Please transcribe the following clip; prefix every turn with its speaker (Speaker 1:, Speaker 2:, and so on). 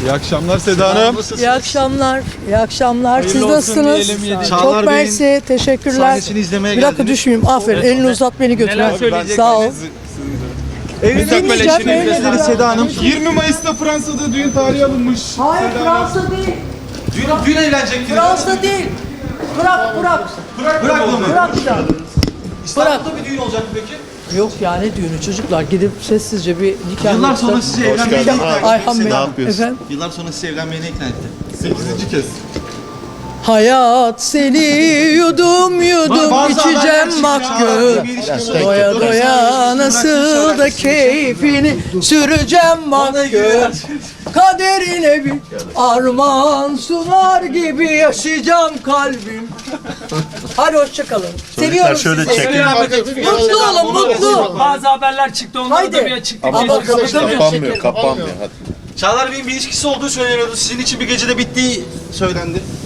Speaker 1: İyi akşamlar Seda Hanım.
Speaker 2: İyi akşamlar. İyi akşamlar. Siz
Speaker 1: Hayırlı olsun
Speaker 2: nasılsınız?
Speaker 1: diyelim, yedik.
Speaker 2: Çok
Speaker 3: Çağlar Bey'in
Speaker 2: mersi. Teşekkürler.
Speaker 3: sahnesini izlemeye
Speaker 2: Bir dakika
Speaker 3: geldiniz.
Speaker 2: düşmeyeyim. Aferin. Elini uzat beni götür.
Speaker 1: Neler söyleyeceksiniz?
Speaker 2: Sağ ol.
Speaker 3: Evleneceğim,
Speaker 2: evleneceğim.
Speaker 3: Seda Hanım.
Speaker 1: 20 Mayıs'ta Fransa'da düğün tarihi alınmış.
Speaker 2: Hayır Fransa değil.
Speaker 3: Dün evlenecektiniz.
Speaker 2: Fransa değil. Bırak.
Speaker 3: Bırakma mı?
Speaker 2: Bırak ya.
Speaker 3: İstanbul'da bir düğün olacak mı peki?
Speaker 2: Yok ya ne düğünü çocuklar. Gidip sessizce bir nikah
Speaker 3: Yıllar
Speaker 2: yapsak.
Speaker 3: sonra sizi evlenmeye ikna etti.
Speaker 2: Ayhan Bey.
Speaker 3: Seda Hanım.
Speaker 2: Efendim?
Speaker 3: Yıllar sonra sizi evlenmeye ikna etti.
Speaker 1: 8. kez.
Speaker 2: Hayat seni yudum
Speaker 3: Bazı
Speaker 2: içeceğim
Speaker 3: haberler
Speaker 2: bak
Speaker 3: çıktı.
Speaker 2: gör.
Speaker 3: Bir ilişki
Speaker 2: Doya
Speaker 3: olacak.
Speaker 2: doya nasıl da keyfini süreceğim bak gör. Kaderine bir armağan sunar gibi yaşayacağım kalbim. Hadi hoşçakalın. Seviyorum sizi. Mutlu olun mutlu.
Speaker 4: Bazı haberler çıktı, onlara
Speaker 2: Haydi.
Speaker 4: da bir açıklık
Speaker 2: Ama
Speaker 5: Kapanmıyor. Hadi.
Speaker 3: Çağlar Bey'in bir ilişkisi olduğu söyleniyordu. Sizin için bir gecede bittiği söylendi.